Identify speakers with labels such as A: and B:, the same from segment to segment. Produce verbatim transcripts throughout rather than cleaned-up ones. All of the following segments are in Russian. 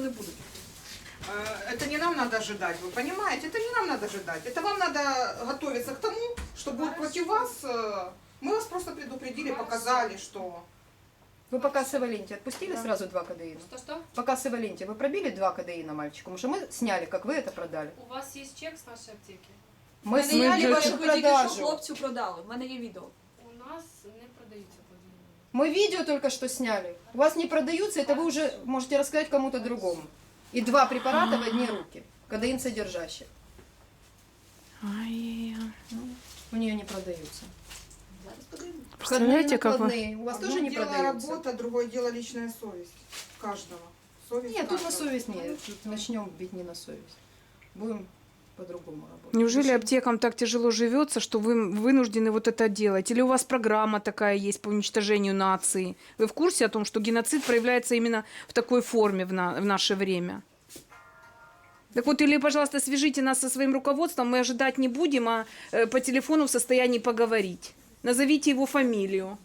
A: вони будуть.
B: Это не нам надо ожидать, вы понимаете? Это не нам надо ожидать. Это вам надо готовиться к тому, что будет против вас. Мы вас просто предупредили, показали, что...
C: Вы пока с Эваленти отпустили сразу два кадеина?
D: Что-что?
C: Пока с Эваленти вы пробили два кадеина мальчику? Потому что мы сняли, как вы это продали.
D: У вас есть чек с нашей аптеки?
C: Мы
A: В мене є
C: сняли
A: відео,
C: вашу
A: як ви тільки що
C: продажу.
A: хлопцю продали. В мене є відео.
D: У нас не продаются подвійні.
C: Мы видео только что сняли. У вас не продаются, это вы уже можете рассказать кому-то другому. И два препарата в одни руки. Кадеин содержащий.
E: Ай,
C: У нее не продаются.
A: Зараз подивимось.
E: представляете, как вы...
C: Накладные. У вас
B: Одно
C: тоже не
B: дело
C: продаются?
B: работа, другое дело личная совесть каждого. Совесть
C: Нет, тут на
B: каждого.
C: совесть нет. Тут начнем бить не на совесть. Будем по-другому работать.
E: Неужели аптекам так тяжело живется, что вы вынуждены вот это делать? Или у вас программа такая есть по уничтожению нации? Вы в курсе о том, что геноцид проявляется именно в такой форме в, на, в наше время? Так вот, или, пожалуйста, свяжите нас со своим руководством, мы ожидать не будем, а э, по телефону в состоянии поговорить. Назовите его фамилию.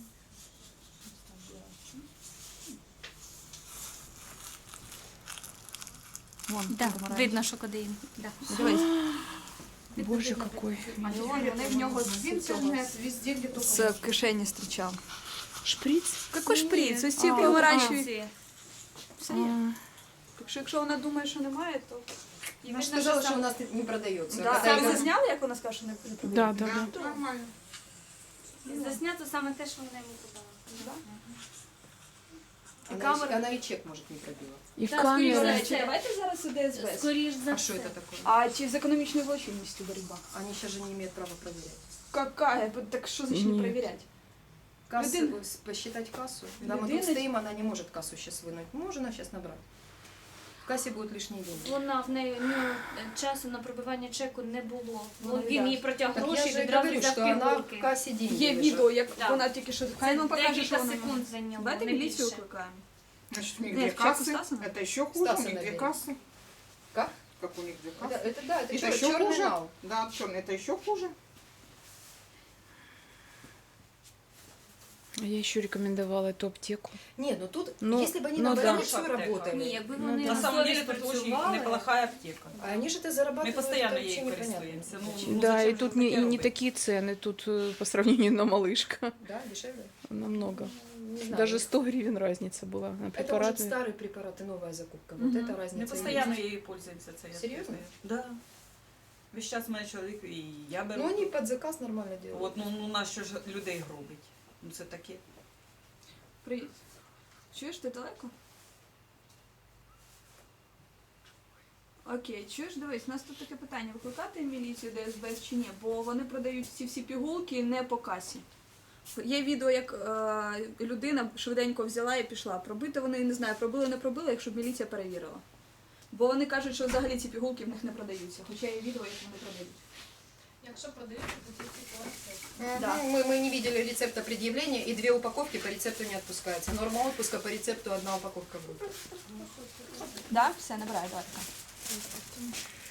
E: Вон,
F: Да,
E: помаранчевый.
F: видно, що кадеїн. Да.
A: Дивись.
E: Боже, какой.
A: А вон вони в нього з
B: В интернет, везде, где только
A: з кишені зустрічав.
E: Шприц?
A: Какой шприц? Ось ці
E: А,
A: помаранчеві. Все є.
E: А,
A: Так що якщо вона думає, що немає, то...
C: Она же сказала, что у нас не продается.
A: Да.
C: Когда
A: Ви
C: я-
A: зазняли, як вона скаже, що не не
E: да,
A: продає?
E: да, да.
B: Да, нормально.
F: Заснято саме те, що вона йому подала.
C: Она,
A: камера-
C: она и чек, может, не пробила.
E: И
F: Да,
E: камера.
A: До
F: скоріше.
A: речі, давайте зараз у ДСБ.
F: Скоріш за
C: А
F: все.
C: что это такое?
A: А чи з економічною злочинністю боротьба?
C: Они сейчас же не имеют права проверять.
A: Какая? Так що значить не
E: Ні.
A: перевіряти?
C: Кассу,
A: Людина-
C: с- посчитать кассу. Да, мы
A: Людина-
C: тут стоим, она не может кассу сейчас вынуть. Можно сейчас набрать. В кассе будут лишние деньги.
F: Вона в неї ну, часу на пробивання чеку не було.
A: Ну,
F: Бо він
A: да.
F: їй протяг
C: Так я
F: гроші
C: же и
F: відразу
C: говорю,
F: взяв
C: что она
F: пігулки.
C: в кассе деньги
A: Є
C: лежат.
A: відео, як
F: Да.
A: вона тільки що... Хай
F: Це
A: нам покаже,
F: декілька
A: що вона...
F: секунд зайняло.
A: Давайте
F: не
A: міліцію
F: більше.
A: викликаємо.
B: Значит, у них
A: Нет,
B: две
A: в чеку
B: кассы.
A: Стаса?
B: Это еще хуже,
C: Стаса
B: у них две
C: набери.
B: кассы.
C: Как?
B: Как у них две
C: Это,
B: кассы.
C: это да, это,
B: Это
C: чер-
B: еще
C: черный
B: хуже.
C: нал.
B: Да, черный, это еще хуже.
E: Я еще рекомендовала эту аптеку.
C: Нет, ну тут,
E: Ну,
C: если бы они
E: ну
C: на
E: да.
C: больницу
G: Аптека.
C: работали,
F: Ні, якби
E: Ну,
F: вони
E: да.
G: На самом деле
F: совість
G: это очень
F: працювали,
G: неплохая аптека.
C: а они же это зарабатывают.
G: Мы постоянно
C: это вообще
G: ей
C: непонятно.
G: користуемся. Ну,
E: Да,
G: зачем
E: и
G: же
E: тут
G: таке
E: не, и не
G: робити?
E: такие цены, тут э, по сравнению на малышка
C: Да, дешевле?
E: намного.
C: Не знаю.
E: Даже сто гривен разница была на
C: Это
E: препараты.
C: может старый препарат и новая закупка. Вот
A: Мгм.
C: это
G: Мы
C: разница.
G: постоянно
C: есть.
G: ей пользуемся. Це я
C: Серьезно?
G: знаю. Да. Весь час у мене чоловік і я беру.
C: Ну они под заказ нормально делают.
G: От, ну, ну на що ж людей гробить? Ну це таке.
A: Привіт. Чуєш, ти далеко? Окей, чуєш, дивись, у нас тут таке питання. Викликати міліцію ДСБ чи ні? Бо вони продають ці всі пігулки не по касі. Є відео, як е, людина швиденько взяла і пішла. Пробити вони, не знаю, пробили, не пробили, якщо б міліція перевірила. Бо вони кажуть, що взагалі ці пігулки в них не продаються. Хоча є відео, як вони продають.
D: Якщо продаються, то тільки по рецепту.
C: Мгм.
A: Да.
C: Мы, мы не видели рецепта предъявления, и две упаковки по рецепту не отпускаются. Норма отпуска по рецепту одна упаковка будет.
A: Да? Все, набираю, давай.